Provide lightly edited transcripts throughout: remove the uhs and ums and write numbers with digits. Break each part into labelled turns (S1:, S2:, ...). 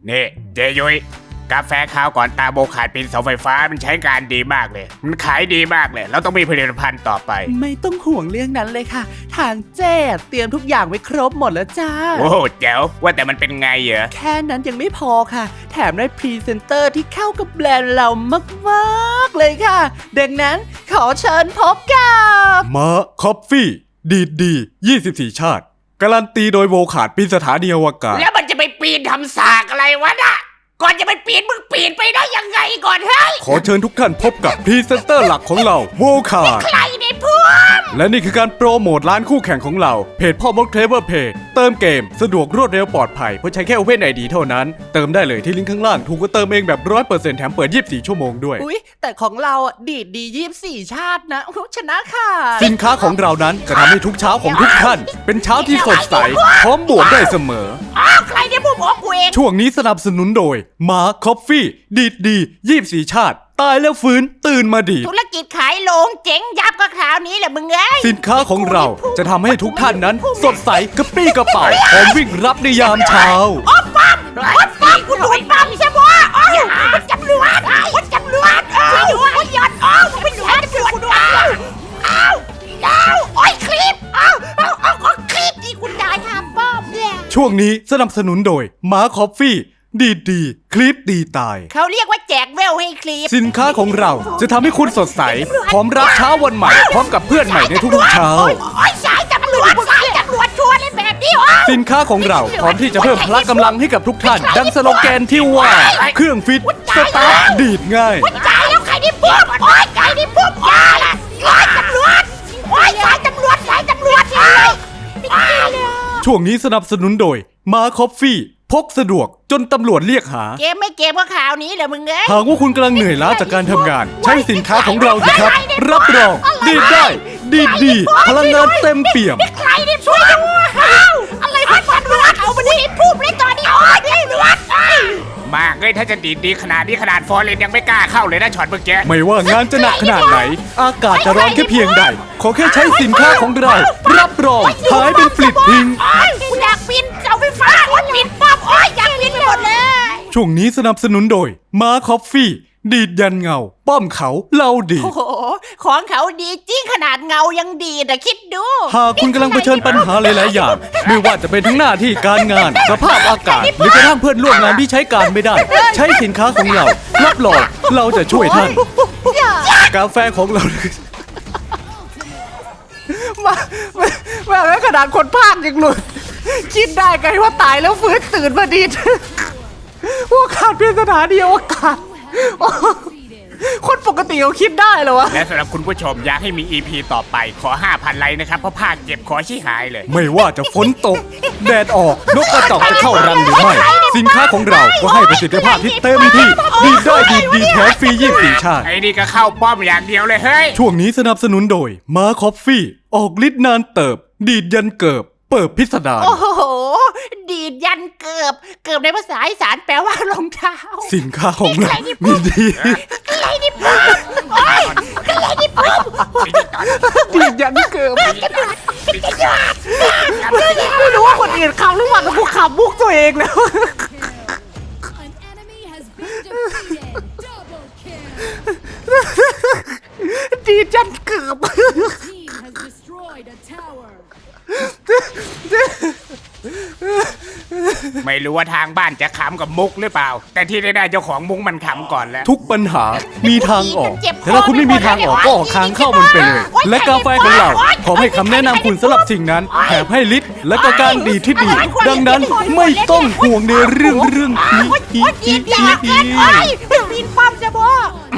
S1: นี่เจยุยกาแฟขาวก่อนตาโบขาดปีนเสาไฟฟ้ามันใช้การดีมากเลยมันขายดีมากเลยเราต้องมีผลิตภัณฑ์ต่อไป
S2: ไม่ต้องห่วงเรื่องนั้นเลยค่ะ ทางเจ๊เตรียมทุกอย่างไว้ครบหมดแล้วจ้า
S1: โอ้โหแจ๋วว่าแต่มันเป็นไงเหรอ
S2: แค่นั้นยังไม่พอค่ะ แถมได้พรีเซนเตอร์ที่เข้ากับแบรนด์เรามากๆเลยค่ะ ดังนั้นขอเชิญพบกับ
S3: มาคอฟฟี่ดี24 ชาติ การันตีโดยโวขาดปีนสถานีอวกาศ
S1: แล้วมันจะไปปีนทำสากอะไรวะน่ะก่อนจะไปปีนมึงปีนไปได้ยังไงก่อนเฮ้ย
S3: ขอเชิญทุกท่านพบกับพรีเซนเตอร์หลักของเราโวขาด
S1: ใครในพวก
S3: และนี่คือการโปรโมทร้านคู่แข่งของเราเพจพ่อมดเคลเวอร์เพย์เติมเกมสะดวกรวดเร็วปลอดภัยเพราะใช้แค่ Open ID เท่านั้นเติมได้เลยที่ลิงก์ข้างล่างถูกก็เติมเองแบบ 100% แถมเปิด 24 ชั่วโมงด้วย
S2: อุ๊ย แต่ของเราอ่ะดีดดี24 ชาตินะโอ้โหชนะค่ะ
S3: สินค้าของเรานั้นจะทำให้ทุกเช้าของทุกท่านเป็นเช้าที่สดใสพร้อมบวกได้เสมอ
S1: อ้าวใครในพวกบอกกูเอง
S3: ช่วงนี้สนับสนุนโดยมาคอฟฟี่ดี24 ชาติ ตายแล้วฟื้นตื่นมาดีด
S1: ธุรกิจขายโลงเจ๊งยับก็คราวนี้แหละมึงเอ้ย
S3: สินค้าของเราจะทำให้ทุกท่านนั้นสดใสกระปรี้กระเป๋าพร้อมวิ่งรับในยามเช้า
S1: อ๊อบปั๊มกูโดนปั๊มใช่ปะอ๋อมันจำรวจมันจำรวจช่วยด้วยหยอดอ๋อมันเป็นหน่วยจำรวจอ้าวโอ้ยคลิปอ้าวคลิปที่คุณได้ค่ะป้อมเนี่ย
S3: ช่วงนี้สนับสนุนโดยมาคอฟฟี่ดีคลิปดีตาย
S1: เขาเรียกว่าแจกเวลให้คลิป
S3: สินค้าของเราจะทำให้คุณสดใสพร้อมรับเช้าวันใหม่พร้อมกับเพื่อนใหม่ในทุกๆเช้า
S1: โอ้ยสายตำรวจชัวร์เลยแบบนี้โอ้ย
S3: สินค้าของเราพร้อมที่จะเพิ่มพละกำลังให้กับทุกท่าน ดังสโลแกนที่ว่า เครื่องฟิตสตาร์ทดีดง่าย
S1: ตายแล้วใครที่ปุ๊บโอ้ยใครที่ปุ๊บโอ้ยตำรวจโอ้ยสายตำรวจเลยอ้าว
S3: ช่วงนี้สนับสนุนโดยมาคอฟฟี่พกสะดวกจนตำรวจเรียกหา
S1: เกมไม่เกมก็ข่าวนี้แหละมึงเอ้ย
S3: หากว่าคุณกำลังเหนื่อยล้าจากการทำงาน ใช้สินค้าของเราสิครับ รับรองดีดได้ดีพลังงานเต็มเปี่ยม
S1: ใครที่ช่วยด้วยอะไรพันตำรวจเอามาดิพูดเลยตอนนี้โอ้ยตำรวจมากเลยถ้าจะดีขนาดนี้ขนาดฟอร์เรนยังไม่กล้าเข้าเลยนะช็อตเมื่อกี้
S3: ไม่ว่างานจะหนักขนาดไหน อากาศจะร้อนแค่เพียงใด ขอแค่ใช้สินค้าของเรา รับรองหายเป็นปลิดทิ้ง
S1: กูอยากบินเสาไฟฟ้าโอ้ยบินปั๊บโอ้ยอยากบินไปหมดเลย
S3: ช่วงนี้สนับสนุนโดยมาคอฟฟี่ดีดยันเงา ป้อมเขาเล่าดี
S1: โอ้โหของเขาดีจริงขนาดเงายังดีแต่คิดดู
S3: หากคุณกำลังเผชิญปัญหาหลายๆอย่าง ไม่ว่าจะเป็นทั้งหน้าที่การงาน สภาพอากาศ หรือกระทั่งเพื่อนร่วมงานที่ใช้การไม่ได้ ใช้สินค้าของเรา รับรองเราจะช่วยท่าน กาแฟของเรา
S2: มาแล้วขนาดคนพากยังหลุด คิดได้ไงว่าตายแล้วฟื้นตื่นมาดีว่าขาดเพียงสถานีอวกาศคนปกติเขาคิดได้เหรอวะ
S1: และสำหรับคุณผู้ชมอยากให้มี EP ต่อไปขอ 5,000 ไลค์นะครับเพราะภาคเจ็บขอชี้หายเลย
S3: ไม่ว่าจะฝนตก แดดออก นกกระจอกจะเข้ารังหรือไม่ สินค้าของเราก็ให้ประสิทธิภาพที่เต็มที่ ดีได้ดีแถมฟรี24 ชาติ
S1: ไอ้นี่ก็เข้าป้อมอย่างเดียวเลยเฮ้ย
S3: ช่วงนี้สนับสนุนโดยมาคอฟฟี่ ออกฤทธิ์นานเติบ ดีดยันเกิบ เปิดพิสดาร
S1: โอ้โห ดีดยันเกือบในภาษาอีสานแปลว่ารองเท้า
S3: สินค้าของเรามีดี
S1: อะไรนี่ปุ๊บโอ้ยอะไรนี่ปุ๊บ
S2: ดีดยันเกิบไม่รู้ว่าคนอื่นขำหรือเปล่าแต่กูขำมุกตัวเองแล้ว
S4: An enemy has been defeated. Double kill.
S2: ดีดยันเกิบ
S4: Team has destroyed a tower.
S1: ไม่รู้ว่าทางบ้านจะขำกับมุกหรือเปล่า แต่ที่ได้เจ้าของมุกมันขำก่อนแล้ว
S3: ทุกปัญหามีทางออกแต่ถ้าคุณไม่มีทางออกก็ออกทางเข้ามันไปเลย และกาแฟของเราขอให้คำแนะนำคุณสำหรับสิ่งนั้นแถมให้ฤทธิ์และก็การดีดที่ดี ดังนั้นไม่ต้องห่วงในเรื่องนี้
S1: ดีดยันเกินโอ้ยบินป้อมจะบ่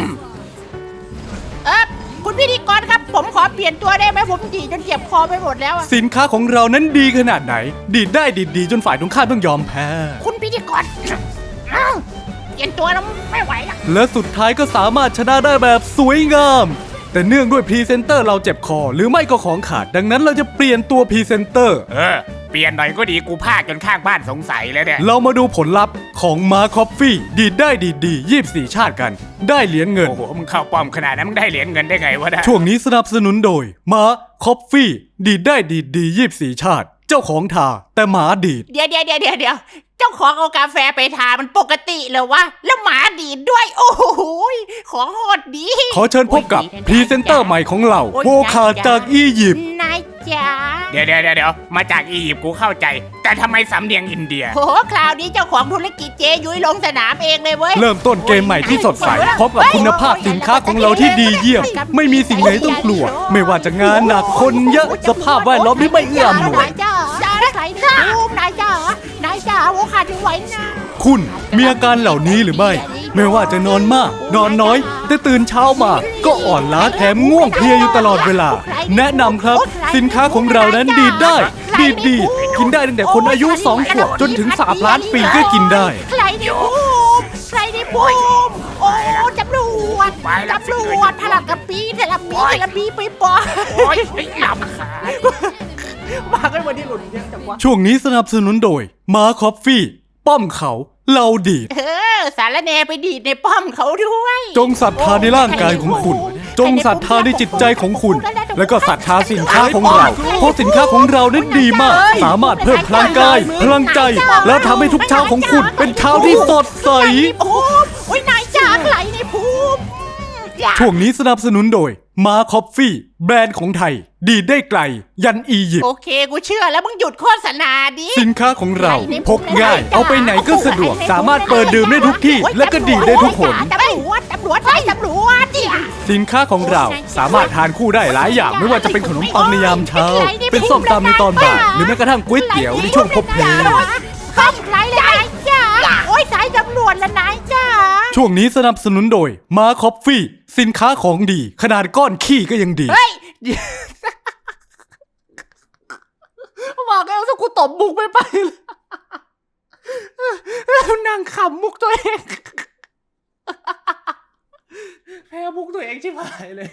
S1: คุณพิธีกรครับผมขอเปลี่ยนตัวได้ไหมผมดีจนเจ็บคอไปหมดแล้วอะ
S3: สินค้าของเรานั้นดีขนาดไหน ดีดได้ดีจนฝ่ายตรงข้ามต้องยอมแพ้
S1: คุณพิธีกรเปลี่ยนตัวแล้วไม่ไหวละ
S3: และสุดท้ายก็สามารถชนะได้แบบสวยงาม แต่เนื่องด้วยพรีเซนเตอร์เราเจ็บคอหรือไม่ก็ของขาด ดังนั้นเราจะเปลี่ยนตัวพรีเซนเตอร์
S1: เปลี่ยนหน่อยก็ดีกูพากจนข้างบ้านสงสัยแล้วเนี่ย
S3: เรามาดูผลลัพธ์ของมาคอฟฟี่ดีดได้ดี24 ชาติกัน ได้เหรียญเงิน
S1: โอ้โหมึงเข้าป้อมขนาดนั้นมึงได้เหรียญเงินได้ไงวะเนี่ย
S3: ช่วงนี้สนับสนุนโดยมาคอฟฟี่ดีดได้ดี24 ชาติ เจ้าของทาแต่หมาดีด
S1: เดี๋ยวจ้าของเอากาแฟไปทามันปกติเหรอวะแล้วหมาดีดด้วยโอ้โหของโหดดี
S3: ขอเชิญพบกับพรีเซนเตอร์ใหม่ของเราโวคาจากอียิปต์
S1: นายจ๋า
S5: เดี๋ยวมาจากอียิปต์กูเข้าใจ แต่ทำไมสำเนียงอินเดีย
S1: โหคราวนี้เจ้าของธุรกิจเจยุ้ยลงสนามเองเลยเว้ย
S3: เริ่มต้นเกมใหม่ที่สดใสพบกับคุณภาพสินค้าของเราที่ดีเยี่ยม ไม่มีสิ่งไหนต้องกลัว ไม่ว่าจะงานหนักคนเยอะสภาพแวดล้อมที่ไม่เอื้ออำนวย
S1: นายจ๋าใครดีภูมินายจ๋าโวคาจะไหวนะ
S3: คุณมีอาการเหล่านี้หรือไม่ ไม่ว่าจะนอนมาก นอนน้อย แต่ตื่นเช้ามา ก็อ่อนล้าแถมง่วงเพลียอยู่ตลอดเวลา แนะนำครับ สินค้าของเรานั้นดีดได้ ดีดดีกินได้ตั้งแต่คนอายุ2 ขวบจนถึง3 ล้านปีก็กินได้
S1: ใครดีภูมิโอ้ตำรวจพลังกระปีเทลมีไปปอ
S5: โอ๊ยไอ้ลำขา
S2: มากันวันนี้หลุดเยอะจังวะ
S3: ช่วงนี้สนับสนุนโดยมาคอฟฟี่ ป้อมเขาเราดีด
S1: สารแนไปดีดในป้อมเขาด้วย
S3: จงศรัทธาในร่างกายของคุณ จงศรัทธาในจิตใจของคุณ แล้วก็ศรัทธาสินค้าของเรา เพราะสินค้าของเรานั้นดีมาก สามารถเพิ่มพลังกาย พลังใจ แล้วทำให้ทุกเช้าของคุณเป็นเช้าที่สดใส
S1: โอ้ยนายจ๋าใครในภูมิ
S3: ช่วงนี้สนับสนุนโดยมาคอฟฟี่ แบรนด์ของไทย ดีดได้ไกล ยันอียิปต์
S1: โอเคกูเชื่อแล้วมึงหยุดโฆษณาดิ
S3: สินค้าของเราพกง่าย เอาไปไหนก็สะดวก สามารถเปิดดื่มได้ทุกที่ และก็ดีดได้ทุกหน
S1: ตำรวจดิ
S3: สินค้าของเราสามารถทานคู่ได้หลายอย่าง ไม่ว่าจะเป็นขนมปังในยามเช้า เป็นส้มตำในตอนบ่าย หรือแม้กระทั่งก๋วยเตี๋ยวในช่วงพบเพล
S1: ข้ามไรเลยนายจ๋าโอ้ยสายตำรวจละนายจ๋า
S3: ช่วงนี้สนับสนุนโดยมาคอฟฟี่ สินค้าของดี ขนาดก้อนขี้ก็ยังดี
S1: เฮ้ย
S2: บอกแล้วสักกูตบมุกไม่ไปเลยนั่งขำมุกตัวเองแพ้มุกตัวเองชิบหายเลย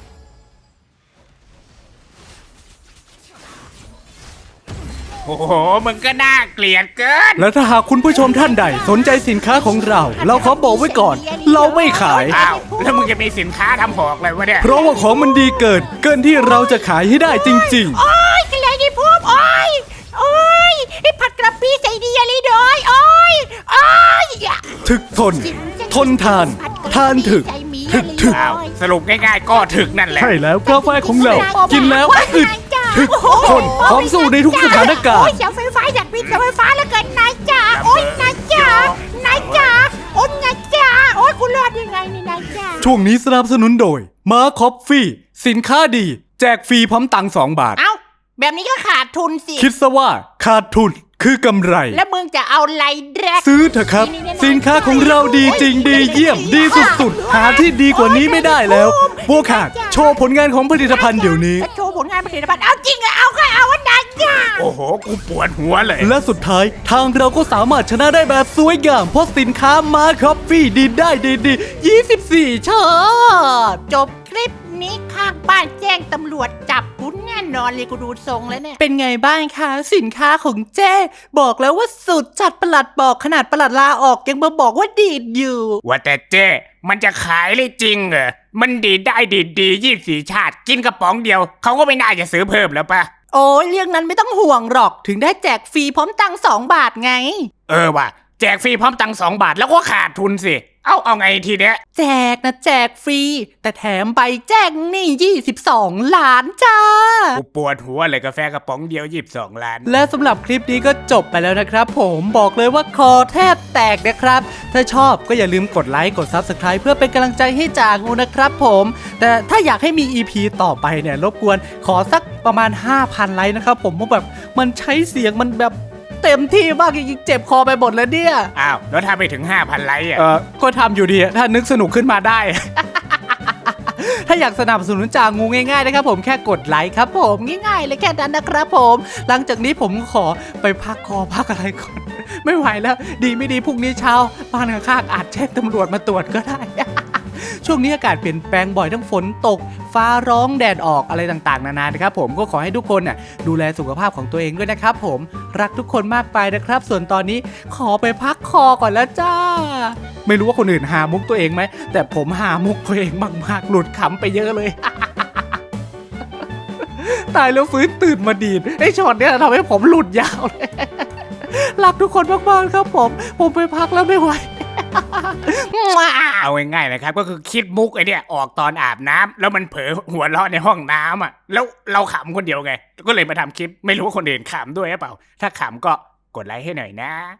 S5: โอ้โหมึงก็น่าเกลียดเกิน
S3: และถ้าหากคุณผู้ชมท่านใดสนใจสินค้าของเรา เราขอบอกไว้ก่อน เราไม่ขาย
S5: อ้าวแล้วมึงจะมีสินค้าทำหอกเลยวะเนี่ย
S3: เพราะว่าของมันดีเกินที่เราจะขายให้ได้จริง
S1: โอ้ยใครในภูมิโอ้ยไอ้ผัดกระปี้ใส่ดีอะไรด้วยโอ้ย
S3: ๆ ถึกทน ทนทาน ทานถึก ถึก
S5: อ้าวสรุปง่ายๆก็ถึกนั่นแหละ
S3: ใช่แล้วกาแฟของเรา กินแล้วอึด ถึกทนพร้อมสู้ในทุกสถานการณ์
S1: โอ้ยเสาไฟฟ้าอยากมีเสาไฟฟ้าแล้วเกินนายจ๋าโอ้ยนายจ๋าโอ้ยนายจ๋าโอ้ยกูรอดยังไงนี่นายจ๋า
S3: ช่วงนี้สนับสนุนโดยมาคอฟฟี่ สินค้าดี แจกฟรีพร้อมตังค์2 บาท
S1: เอ้าแบบนี้ก็ขาดทุนสิ
S3: คิดซะว่าขาดทุนคือกำไร
S1: แล้วมึงจะเอาอะไรแดก
S3: ซื้อเถอะครับ สินค้าของเราดีจริงดีเยี่ยม ดีสุดๆ หาที่ดีกว่านี้ไม่ได้แล้วบัวขาดโชว์ผลงานของผลิตภัณฑ์เดี๋ยวนี้
S1: โชว์ผลงานผลิตภัณฑ์เอาจริงเหรอเอาก็เอาวันนั้นจ้า
S5: โอ้โหกูปวดหัวเลย
S3: และสุดท้ายทางเราก็สามารถชนะได้แบบสวยงามเพราะสินค้ามาคอฟฟี่ดีได้ดี24 ชาติ
S1: จบคลิปนี้ข้างบ้านแจ้งตำรวจจับกูแน่นอนเลยกูดูทรงแล้วเนี่ย
S2: เป็นไงบ้างคะสินค้าของเจ้บอกแล้วว่าสุดจัดประหลัดบอกขนาดประหลัดลาออกยังมาบอกว่าดีดอยู่
S5: ว่าแต่เจ้มันจะขายเลยจริงเหรอ มันดีได้ดี24 ชาติ กินกระป๋องเดียว เขาก็ไม่น่าจะซื้อเพิ่มแล้วปะ
S2: โอ้ยเรื่องนั้นไม่ต้องห่วงหรอกถึงได้แจกฟรีพร้อมตังค์2 บาทไง
S5: เออว่ะแจกฟรีพร้อมตังค์2 บาทแล้วก็ขาดทุนสิ เอาไงทีเนี้ย
S2: แจกนะแจกฟรี แต่แถมใบแจ้งหนี้22 ล้านจ้า
S5: กูปวดหัวเลยกาแฟกระป๋องเดียว22 ล้าน
S2: และสำหรับคลิปนี้ก็จบไปแล้วนะครับผมบอกเลยว่าคอแทบแตกนะครับ ถ้าชอบก็อย่าลืมกดไลค์กด Subscribe เพื่อเป็นกำลังใจให้จางูนะครับผม แต่ถ้าอยากให้มี EP ต่อไปเนี่ยรบกวนขอสักประมาณ 5,000 ไลค์นะครับผมเพราะแบบมันใช้เสียงมันแบบเต็มที่มากจริงๆเจ็บคอไปหมดเลยเนี่ย
S5: อ้าว แล้วถ้าไปถึง 5,000 ไลค์อ่ะ
S2: ก็ทำอยู่ดีถ้านึกสนุกขึ้นมาได้ ถ้าอยากสนับสนุนจางูง่ายๆนะครับผมแค่กดไลค์ครับผมง่ายๆเลยแค่นั้นนะครับผมหลังจากนี้ผมขอไปพักคอพักอะไรก่อน ไม่ไหวแล้วดีไม่ดีพรุ่งนี้เช้าบ้านข้างๆอาจแจ้งตำรวจมาตรวจก็ได้ ช่วงนี้อากาศเปลี่ยนแปลงบ่อยทั้งฝนตกฟ้าร้องแดดออกอะไรต่างๆนานานะครับผมก็ขอให้ทุกคนน่ะดูแลสุขภาพของตัวเองด้วยนะครับผมรักทุกคนมากไปนะครับ ส่วนตอนนี้ขอไปพักคอก่อนแล้วจ้า ไม่รู้ว่าคนอื่นหามุกตัวเองไหมแต่ผมหามุกตัวเองมากๆหลุดขำไปเยอะเลย ตายแล้วฟื้นตื่นมาดีดไอ้ช็อตเนี้ยทำให้ผมหลุดยาวเลยรักทุกคนมากๆครับผมไปพักแล้วไม่ไหว
S5: เอาง่ายๆนะครับก็คือคิดมุกไอเนี่ยออกตอนอาบน้ำแล้วมันเผลอหัวเราะในห้องน้ำอ่ะแล้วเราขำคนเดียวไงก็เลยมาทำคลิปไม่รู้ว่าคนอื่นขำด้วยหรือเปล่าถ้าขำก็กดไลค์ให้หน่อยนะ